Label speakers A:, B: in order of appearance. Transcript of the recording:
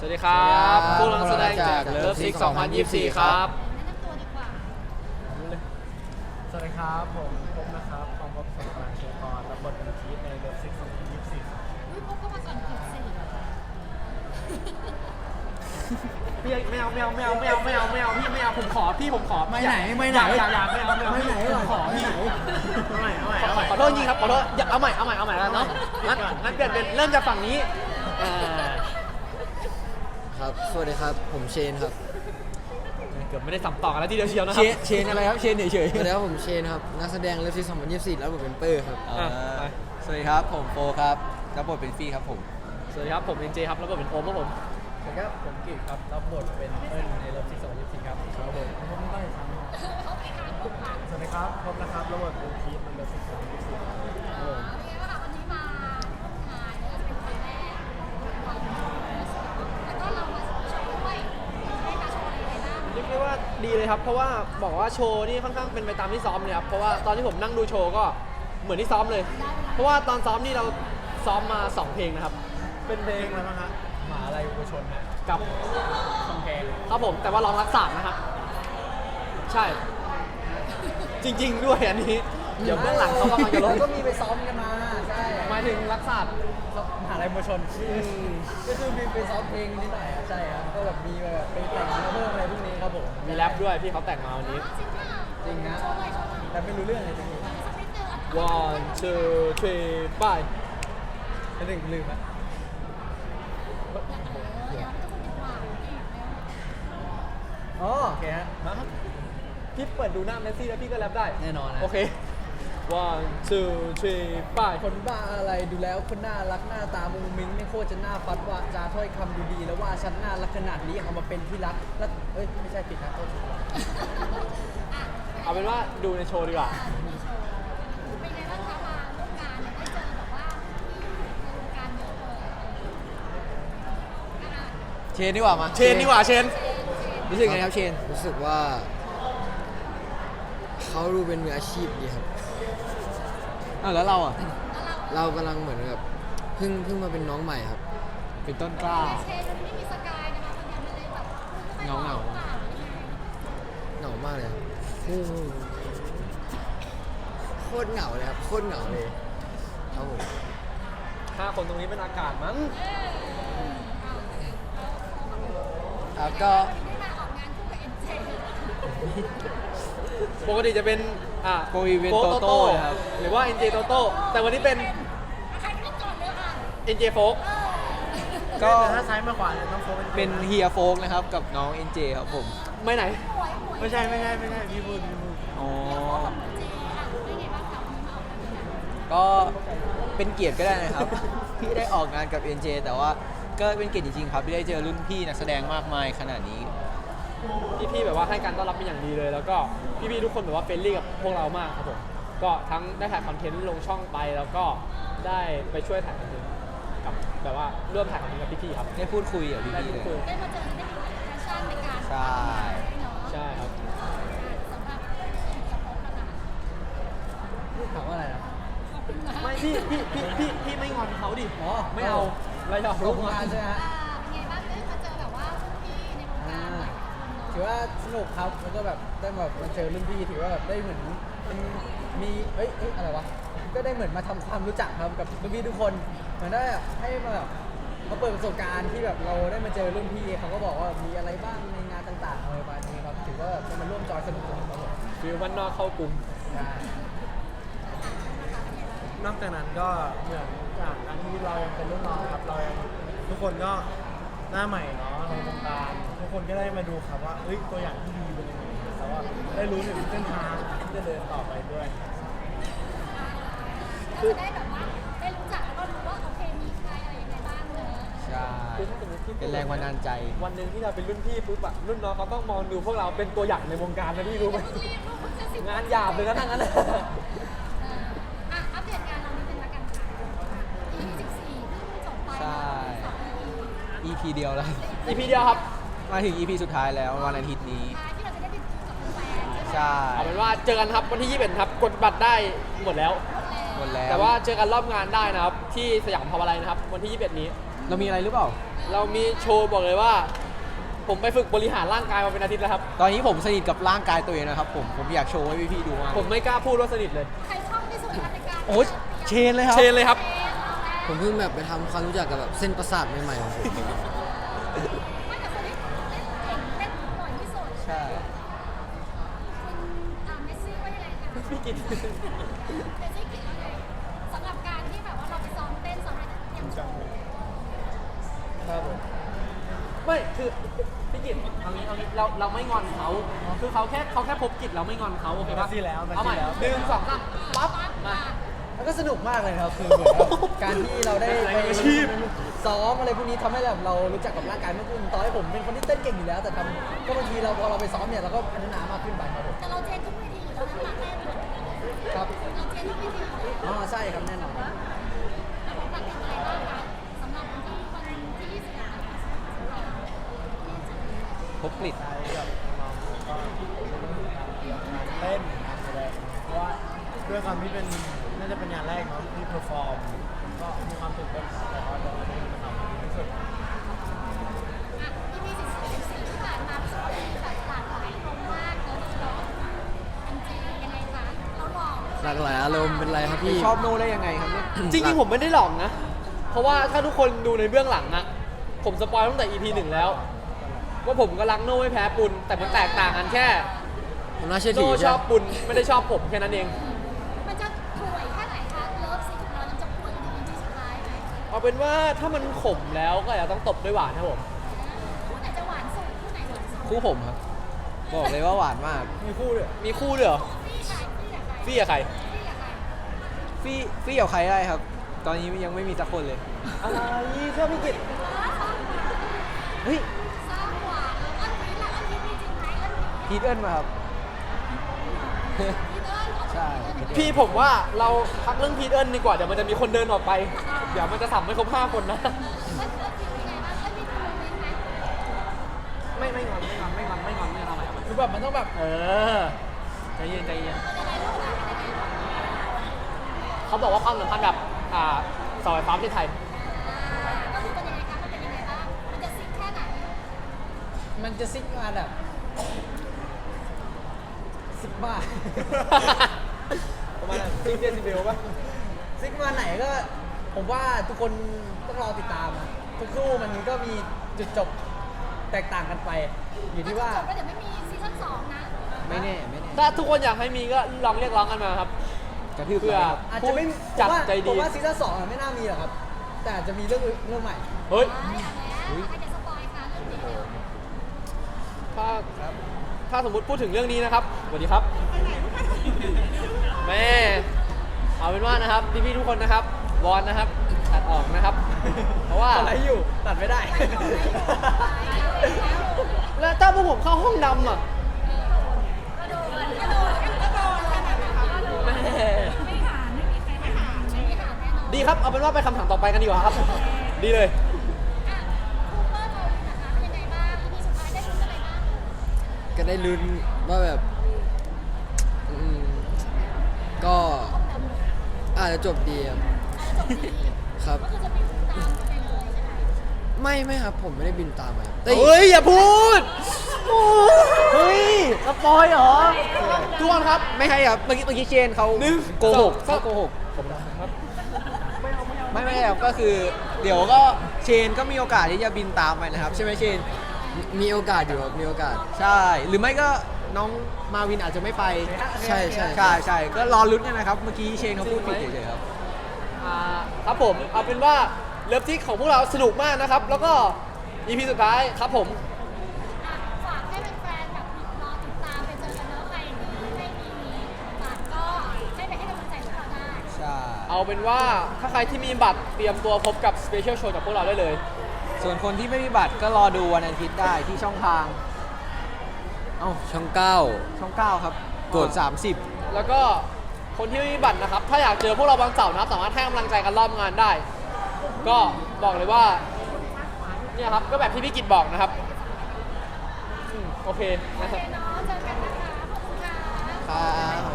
A: วัสดีครับผู้นักแสดงจากเลิฟซิก2024 ครับ
B: แนะนำตัวดีกว่า
C: สวัสดีครับผมพบนะครับความพบสมบัติเชียร์กรรับบทเป็นพีทในเลิฟซิก2024ครับ
B: อุ้ยพบก็มาก่อนผิดสิ
A: พี่ไม่เอาพี่ไม่เอาผมขอ
C: ไม่ไหน
A: อย่าไม่เอาขอพี่ขอโทษจริงครับขอโทษเอาใหม่แล้วเนาะงั้นเปลี่ยนเป็นเริ่มจากฝั่งนี้
D: ครับสวัสดีครับผมเชนครับ
A: เกือบไม่ได้สัมต่อกันแล้วทีเดียวเชียวนะค
D: เช
A: รับ
D: นอะไรครับเชนเฉยๆสวัสดีครับผมเชนครับนักแสดงเลิฟซี2024แล้วผมเป็นเปอร์ครับ
E: สวัสดีครับผมโฟครับรับบทเป็นฟี่ครับผม
A: สวัสดีครับผมเอ็นเจครับแล้วก็เป็นโอมครับผม
C: สวัสดีครับผมกิตครับรับบทเป็นเอิ้นในเลิฟซิก2024ครับครับผมผมไม่ได้ทำสวัสดีครับพบนะครับรับบทเป็นพีทในเลิฟซิก2024ครับ
B: เป็นไงบ้างคะวันนี้มาร่วมงานเนี่ยจะเป็นครั้งแรกแล้วก็เรามาโชว์ด้วยได้มาโชว์อะไรบ้าง
A: เรียกได้ว่าดีเลยครับเพราะว่าบอกว่าโชว์นี่ค่อนข้างเป็นไปตามที่ซ้อมเลยครับเพราะว่าตอนที่ผมนั่งดูโชว์ก็เหมือนที่ซ้อมเลย เพราะว่าตอนซ้อมนี่เราซ้อมมา2เพลงนะครับ
C: เป็นเพลงอะไรบ้างฮะหมาอะไรอุปชนฮะ
A: กับ
C: คำแพง
A: ครับผมแต่ว่าร้องรักษานะครับใช่จริง ๆ ด้วยอันนี้เดี๋ยวเบื้องหลังเขากำลังจะลง
C: ก็มีไปซ้อมกันมาใช่
A: หมายถึงรักษา
C: มหาลัยอุปชนก็คือมีไปซ้อมเพลงนิดหน่อยใช่ครับก็แบบมีแบบไปแต่งเพิ่มอะไรพวกนี้ครับผม
A: มีแรปด้วยพี่เขาแต่งมาวันนี้
B: จริงเปล่า
C: จริงนะ
B: โชว์เลยโชว์เลย
C: แต่ไม่รู้เรื่องเลยจริง
B: สักนิดนึงอ่ะ
A: one two three ไป
C: ๆเป็นหนึ่งลืมอะ
B: เดี๋ยวทุกคนดีกว่า
C: อ๋อโอเคฮะ
A: มาครับพี่เปิดดูหน้าเมสซี่แล้วพี่ก็แรปได้
C: แน่นอนนะ
A: โอเค one two three ไป
C: คนบ้าอะไรดูแล้วคนน่ารักหน้าตามุงมิ้งไม่โคตรจะน่าฟัดว่าจาถ้อยคำดูดีแล้วว่าฉันน่ารักขนาดนี้เอามาเป็นที่รักแล้วเอ้ยไม่ใช่ผิดนะโทษที
A: เอาเป็นว่าดูในโชว์ดีกว่า
B: มีโชว์เป็นไงบ้างคะมาร่วมงานเนี่ยได้เจอแบบว่าที่ในวงการเยอะเลย
E: เชนดีกว่ามา
A: เชนดีกว่าเชน
E: รู้สึกไงครับเชน
D: รู้สึกว่าเขาดูเป็นมืออาชีพดีครับ
E: แล้วเราอ่ะ
D: เรากำลังเหมือนกับเพิ่งมาเป็นน้องใหม่ครับ
E: เป็นต้นกล้า
B: เชนมันไม่มีสกายนะคะคนเดียวมันเลยแบบ
E: เงา
D: เหงามากเลยครับโคตรเหงาเลยครับโคตรเหงาเลยครับผม
A: 5 คนตรงนี้เป็นอากาศมั้ง
E: ครับก็
B: ได้มาออกงานคู่กับเอ็นเจ
A: ปกติจะเป็น
E: โกอีเวน
A: โฟ
E: โตโต้ครับ
A: หรือว่า NJ โตโต้แต่วันนี้เป็น
B: ใครไม่ก่อนเลยค่ะ
A: NJ โฟก
E: ก็
C: ถ้าซ้ายมาขวาเนี่ยต้องโฟกัส
E: เป็นเฮียโฟกนะครับกับน้องเอ็นเจครับผม
A: ไม่ไหน
B: หวย
C: ไม่ใช่พี่พูด
E: อ๋อ
B: เจอ่ะเป็นไงบ้างคะวันนี้มาออกงานคู่กัน
E: ก็เป็นเกียรติก็ได้นะครับ ที่ได้ออกงานกับ NJ แต่ว่าก็เป็นเกียรติจริงๆครับที่ได้เจอรุ่นพี่นักแสดงมากมายขนาดนี้
A: พี่ๆแบบว่าให้การต้อนรับเป็นอย่างดีเลย แล้วก็พี่ๆทุกคนแบบว่าเฟรนลี่กับพวกเรามากครับผมก็ทั้งได้ถ่ายคอนเทนต์ลงช่องไปแล้วก็ได้ไปช่วยถ่ายคอนเทนต์กับแบบว่าร่วมถ่ายคอนเทนต์กับพี่ๆครับ
E: ได้พูดคุยกับ
A: ได้
E: พี่ๆ
A: พู
E: เล
A: ดคุย
E: ย
B: ได้มาเจอได้มีแฟชั่นในการ
E: ใช่
B: เนาะ
A: ใช่ครับ
B: สำหรับกระโปรงนะคะ
C: ถามว่าอะไรนะ
B: ขอบคุณนะ
A: ไม่พี่ไม่งอนเขาดิ
C: อ๋อ
A: ไม่เอาเราอยาก
C: ร่
A: รู้
C: วมงานใช่ไหมฮะ
B: เป็นไงบ้างได้มาเจอแบบว่าพี่ในวงการหลายคน
C: ถือ
B: เนาะ
C: ว่าสนุกครับแล้วก็แบบได้แบบมาเจอรุ่นพี่ถือว่าแบบได้เหมือนเป็นมีเอ้ยอะไรวะก็ได้เหมือนมาทำความรู้จักครับกับรุ่นพี่ทุกคนเหมือนได้ให้มาแบบมาเปิดประสบการณ์ที่แบบเราได้มาเจอรุ่นพี่เขาก็บอกว่ามีอะไรบ้างในงานต่างๆอะไรประมาณนี้ครับถือว่าเป็นมาร่วมจอยสนุกครับผม
A: ฟิลวันนอกเข้ากลุ่ม
C: ใช่นอกจากนั้นก็เหมือนจากการที่เรายังเป็นรุ่นน้องครับเรายังทุกคนก็หน้าใหม่เนาะในวงการทุกคนก็ได้มาดูครับว่าเอ้ยตัวอย่างที่ดีเป็นยังไงแต่ว่าได้รู้ถึงเส้นทางที่จะเดินต่อไปด้วย
B: ก็จะได้แบบว่าได้รู้จักแล้วก็รู้ว่าโอเคมีใครอะไรยังไงบ้างเนอะ
E: ใช่
A: คือถ้าสมมติพี่
E: เป็นแรงบันดาลใจ
A: วันหนึ่งที่เราเป็นรุ่นพี่ปุ๊บอะรุ่นน้องเขาต้องมองดูพวกเราเป็นตัวอย่างในวงการนะพี่รู้ไหม
B: ที่ลูกเพิ่งจะ10
A: งานหยาบเลยนะทั้งนั้นเลย
B: อัปเดตงานเรานิดนึงละกันค่ะ EP 14เพิ่งจบไป
E: ใช่
B: 2 EP
E: EP เดียวแล้ว
A: อีพีเดียวครับ
E: มาถึง EP สุดท้ายแล้ววันอาทิตย์นี้
B: ที่เราจะได้ไปดูกับแฟนๆใช่ไหม
E: ใช่
A: เอาเป็นว่าเจอกันครับวันที่21ครับกดบัตรได้หมดแล้ว
E: หมดแล้ว
A: แต่ว่าเจอกันรอบงานได้นะครับที่สยามพาวาไลน์นะครับวันที่21นี้
E: เรามีอะไรหรือเปล่า
B: เอ
A: เรามีโชว์บอกเลยว่า ผมไปฝึกบริหารร่างกายมาเป็นอาทิตย์แล้วครับ
E: ตอนนี้ผมสนิทกับร่างกายตัวเองนะครับผมอยากโชว์ให้พี่ๆดูมาก
A: ผมไม่กล้าพูดว่าสนิทเลย
B: ใครชอบที่สุดคะในการ
E: โอ้ยเชนเลยครับ
A: เชนเลยครับ
D: ผมเพิ่งแบบไปทำความรู้จักกับแบบเส้นประสาทใหม่ๆของผม
B: ไม่แต่คนที่เล่นเก่งเล่นบ่อยที่สุด
E: ใช่
B: คุณเมสซี่ว่ายังไงคะ
A: พี่กิน
B: เมสซี่คิดว่าไงสำหรับการที่แบบว่าเราไปซ้อมเต้นซ้อมอะไรเตรียมโชว์
A: ครับผมไม่คือพี่กิตเอางี้เราไม่งอนเขาคือเขาแค่พบกิจเราไม่งอนเขาโอเคป่ะ
C: มาสิแล้วมาสิ
A: เอาใหม่
C: แล้ว
A: หนึ่งสองสามปั๊บมา
C: แล้วก็สนุกมากเลยครับคือเหมือนแบบการที่เราได้
A: แรง
C: ไป
A: อาชีพ
C: ซ้อมอะไรพวกนี้ทำให้แบบเรารู้จักกับร่างกายมากขึ้นต่อให้ผมเป็นคนที่เต้นเก่งอยู่แล้ว แต่ทำก็บางทีเราพอเราไปซ้อมเนี่ยเราก็พัฒนามากขึ้นไปครับผม
B: แต่เราเทรนทุกเวทีอยู่แล้วนะมาเต้น
C: ครับ
B: เราเทรนทุกเวทีอยู่แล้ว
C: อ๋อใช่ครับแน่นอน
B: แล้วผมฝากติดอะไรบ้างคะสำหรับวันที่21
E: พบกลิด
F: เต้นแสดงเพราะว่าด้วยความที่เป็นน่าจะเป็นงานแรกเนาะที่เพอร์ฟอร์มก็มีความตื่นเต้นครับแต่ว่าเราจะทำให้ดีที่สุด
B: อ่ะที่มี14ที่ผ่านมาสวยแบบหลากหลายอารมณ์มากเลยเนาะจริงๆยังไงคะเราหล่อ
D: หลากหลายอารมณ์เป็นไรครับพี่
E: ชอบโน่ได้ยังไงครับเนี่ย
A: จริงๆผมไม่ได้หลอกนะ เพราะว่าถ้าทุกคนดูในเบื้องหลังอะผมสปอยตั้งแต่ EP 1 แล้ว ว่าผมก็รักโน่ไม่แพ้ปุนแต่มันแตกต่างกันแค่
D: ผมน่าเชื่อถื
A: โน่
D: อ
A: ช
D: ใช่
A: อบปุนไม่ได้ชอบผมแค่นั้นเอง
B: มันจะป่วยแค่ไหนคะเลิฟซีนของเรามันจะป่วยจนถึง EP สุดท้ายไหม
A: เอาเป็นว่าถ้ามันขมแล้วก็อย่าต้องตบด้วยหวานครับผม
B: คู่ไหนจะหวานสุดคู่ไหนหวานสุด
E: คู่ผมครับ บอกเลยว่าหวานมาก
A: มีคู่ด้วยมีคู่ด้วยเหรอ
B: พี่กับใคร
A: ฟี่กับใคร
B: พี่กับใคร
E: ฟี่กับใครได้ครับ ตอนนี้ยังไม่มีสักคนเลย
A: อะไรเชื่อพี่กิตเฮ้ย
B: สร้างหวานแล้วก็พีทละก็พีทมีจริงไหมก็พีท
E: พีทเอิญมาครับ
B: พีทเอิญ
E: ใช่
A: พี่ผมว่าเราพักเรื่องพีทเอิญดีกว่าเดี๋ยวมันจะมีคนเดินออกไป เดี๋ยวมันจะสับไม่ครบ5 คนนะ
B: เอิญพีทมีไงบ้างเอิญมีโมเมนต์ไหม
A: ไม่งอนไม่ทำอะไร
C: คือแบบมันต้องแบบ
A: เออใจเย็น
B: เป็นยังไงลูกหลานเป็นยังไง
A: เขาบอกว่าความสัมพันธ์แบบเสาไฟฟ้าที่ไทย
B: ก็คือเป็นยังไงคะมันเป็นยังไงบ้างมันจะซิกแค่ไหน
C: มันจะซิกมาแบบซิกบ้า
A: ประมาณซิกเดซิเบลป่ะ
C: ซิกมาไหนก็ผมว่าทุกคนต้องรอติดตามนะทุกคู่มันก็มีจุดจบแตกต่างกันไป อยู่ที่ว่า
B: จบแล้วเดี๋ยวไม่มีซีซั่น2นะ
E: ไม่แน่
A: ถ้าทุกคนอยากให้มีก็ลองเรียกร้องกันมาครับ
E: กระทืบ
A: เพื่อ
E: ไปครับ
C: อาจจะไม่
A: ผู้จัดใจ
C: ผ
A: ดี
C: มว่าซีซั่น2อะไม่น่ามีหรอกครับ แต่อาจจะมีเรื่องใหม่
A: เฮ้ย
B: เอาแล้วใครจะสปอยคะเรื่องนี้
A: ถ้าสมมุติพูดถึงเรื่องนี้นะครับสวัสดีครับ แม่เอาเป็นว่านะครับพี่ๆทุกคนนะครับวอนนะครับตัดออกนะครับ เพราะว่า
C: อะไรอยู่ตัดไม่ได้
A: แล้วถ้าพวกผมเข้าห้องดำอ่ะแม่
B: ไม่หาไม่มีใครหาไม่มีหาแน่นอน
A: ดีครับเอาเป็นว่าไปคำถามต่อไปกันดีกว่าครับ ดีเลย
B: อ่ะคูเปอร์โทนนะคะเป็นยังไงบ้าง EP สุดท้ายได้รู้อะไรบ้าง
D: ก็ได้ลุ้นว่าแบบก็อาจจะจบดีครับ
B: จบดี
D: ครับ
B: ก็คือจะมีตามไปเลยใช่ไหม
D: ไม่ครับผมไม่ได้บินตามมาแต่
A: เฮ้ย อย่าพูด เฮ้ยสปอยเหรอทุกคนครับ
E: ไม่ใช่ครับ เมื่อกี้เชนเขา
A: หนึ่ง
E: โกหก
A: สอง
E: เขาโกหก
A: ผมครับ
E: ไม่ครับก็คือ เดี๋ยวก็เชนก็มีโอกาสที่จะบินตามไปนะครับ ใช่ไหมเชน
D: มีโอกาสอยู่ครับมีโอกาส
E: ใช่ หรือไม่ก็น้องมาวินอาจจะไม่ไป
D: ใช่
E: ใช่ก็รอลุ้นกันนะครับ เมื่อกี้เชนเขาพูดผิดเฉยๆครับ
A: ครับผมเอาเป็นว่าเลิฟทิกของพวกเราสนุกมากนะครับ แล้วก็ EP สุดท้ายครับผม
B: อ่ะฝากให้แฟนๆแบบรอติดตามไปเจอกันเนอะใครที่ไม่มีบัตรก็ให้ไปให้กำลังใจพวกเราได้
E: ใช่
A: เอาเป็นว่าถ้าใครที่มีบัตรเตรียมตัวพบกับสเปเชียลโชว์จากพวกเราได้เลย
E: ส่วนคนที่ไม่มีบัตรก็รอดูวันอาทิตย์ได้ที่ช่องทาง
D: ช่อง
E: ช่อง 9 ครับ กด 30
A: แล้วก็คนที่ไม่มีบัตรนะครับ ถ้าอยากเจอพวกเราบางเสาร์นะครับ สามารถให้กำลังใจกันรอบงานได้ ก็บอกเลยว่าเนี่ยครับก็แบบที่พี่กิตบอกนะครับโอเคนะครับ
B: โอเคเนาะเจอกันนะคะขอบคุณค่ะ
E: ครับ